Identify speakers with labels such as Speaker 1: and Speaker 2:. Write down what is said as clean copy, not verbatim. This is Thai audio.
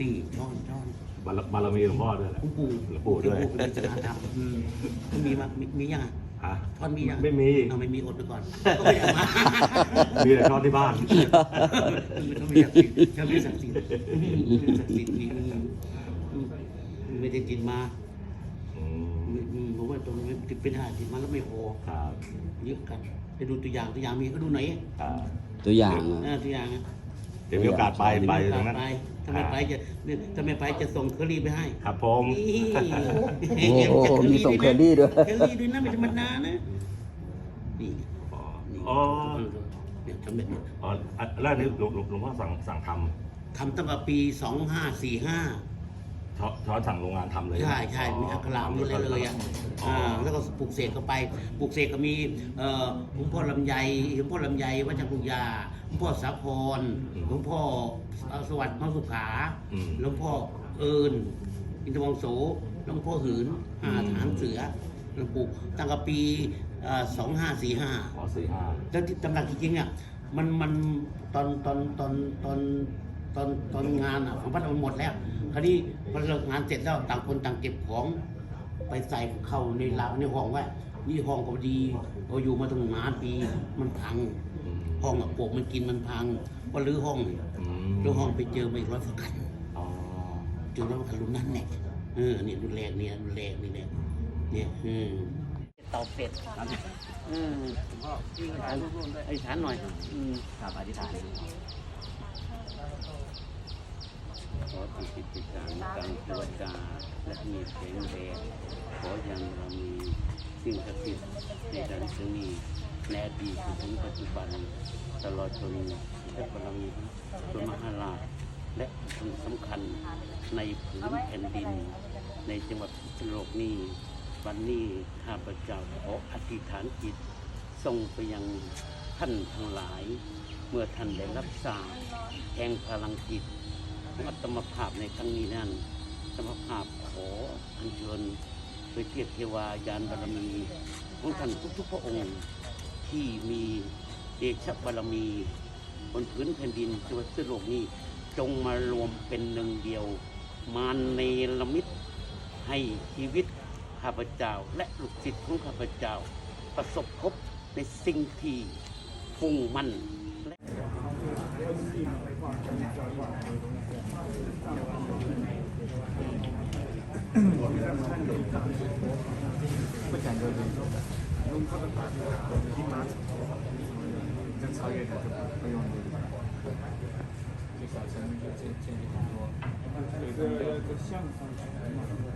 Speaker 1: ตีช่อน
Speaker 2: บารมีหลวงพ่อด้วยแหละ
Speaker 1: หลวงปู่
Speaker 2: หลวงปู่ด้วย
Speaker 1: หลวงปู่เป็นศาสนาธรรมมันมีมามียัง
Speaker 2: ฮะ
Speaker 1: ท่อนมียัง
Speaker 2: ไม่มี
Speaker 1: เอาไม่มีอดไปก่อนก็ไม่ได้มา
Speaker 2: มีแต่ทอดที่บ้าน
Speaker 1: เขามีศักดิ์สิทธิ์เขามีศักดิ์สิทธิ์ศักดิ์สิทธิ์มีไม่ได้กินมา
Speaker 2: อืม
Speaker 1: ผมว่าตรงนี้ติดเป็นหาติดมาแล้วไม่พอ
Speaker 2: ครับ
Speaker 1: เยอะกันไปดูตัวอย่างมีก็ดูไหนอย
Speaker 2: ครับ
Speaker 3: ตัวอย่าง
Speaker 1: ตัวอย่าง
Speaker 2: เดี๋ยวมีโอกาสไปตรงนั้น
Speaker 1: ถ้าไม่ไปจะส่งเคอรี่ไปให้
Speaker 2: ครับผม
Speaker 1: นี่
Speaker 3: โอ้โหมีส่งเคอรี่ด้วย
Speaker 1: เคอรี่ด้วยนะไม่ธรรมดานะนี่นี่
Speaker 2: อ๋อ
Speaker 1: เนี่ยทำแบบนี้
Speaker 2: อ๋อแล้วนี่หลวงพ่อสั่งท
Speaker 1: ทำตั้งแต่ปี 2545
Speaker 2: ำช้อนสั่งโรงงานทำเลย
Speaker 1: ใช่มีอักขระมีอะไรเลยอ่ะแล้วก็ปลูกเสกเข้าไปปลูกเสกก็มีหลวงพ่อลำไยวัชรกุญญาหลวงพ่อสาครหลวงพ่อสวัสดิ์มสุขาหลวงพ่อเอิญอินทวงโสหลวงพ่อหืนฐานเสือหลวงปู่ตั้งแต่ปี2545
Speaker 2: อ๋อ45
Speaker 1: แล้วที่ตำหนักจริงๆเนี่ยมันตอนงานของพัดมันหมดแล้วคราวนี้พอเลิกงานเสร็จแล้วต่างคนต่างเก็บของไปใส่เข้าในราวในห้องไว้นี่ห้องก็ดีเราอยู่มาตั้งนานปีมันพังห้องปลวกมันกินมันพังก็รื้อห้องรื้อห้องไปเจอไม่ร้อยฝักขัน
Speaker 2: อ๋อ
Speaker 1: เจอร้อยฝักขันรุ่นนั้นเนี่ยนี่รุ่นแรกเนี่ยเนี่ยเตาเป็ดพ่อพี่อธิษฐานหน่อยครับอธิษฐานขอติดติดต่างกังเทวดาและมีเสียงแดงขอยังเรามีสิ่งศักดิ์สิทธิ์ในด้านซึ่งนี้ในอดีตถึงปัจจุบันตลอดจนและบารมีพระมหาราชและคนสำคัญในผืนแผ่นดินในจังหวัดพิษณุโลกนี้วันนี้ข้าพเจ้าขออธิษฐานจิตส่งไปยังท่านทั้งหลายเมื่อท่านได้รับทราบแห่งพลังจิตของอัตมภาพในครั้งนี้นั้นอัตมภาพขออัญเชิญโดยเทพเทวายานบารมีของท่านทุกๆพระองค์ที่มีเดชบารมีบนพื้นแผ่นดินจังหวัดพิษณุโลกนี้จงมารวมเป็นหนึ่งเดียวมาเนรมิตให้ชีวิตข้าพเจ้าและลูกศิษย์ของข้าพเจ้าประสบพบในสิ่งที่มุ่งมั่นและ
Speaker 4: 跟超越的就不用就小乘就建立很多，有个像上去。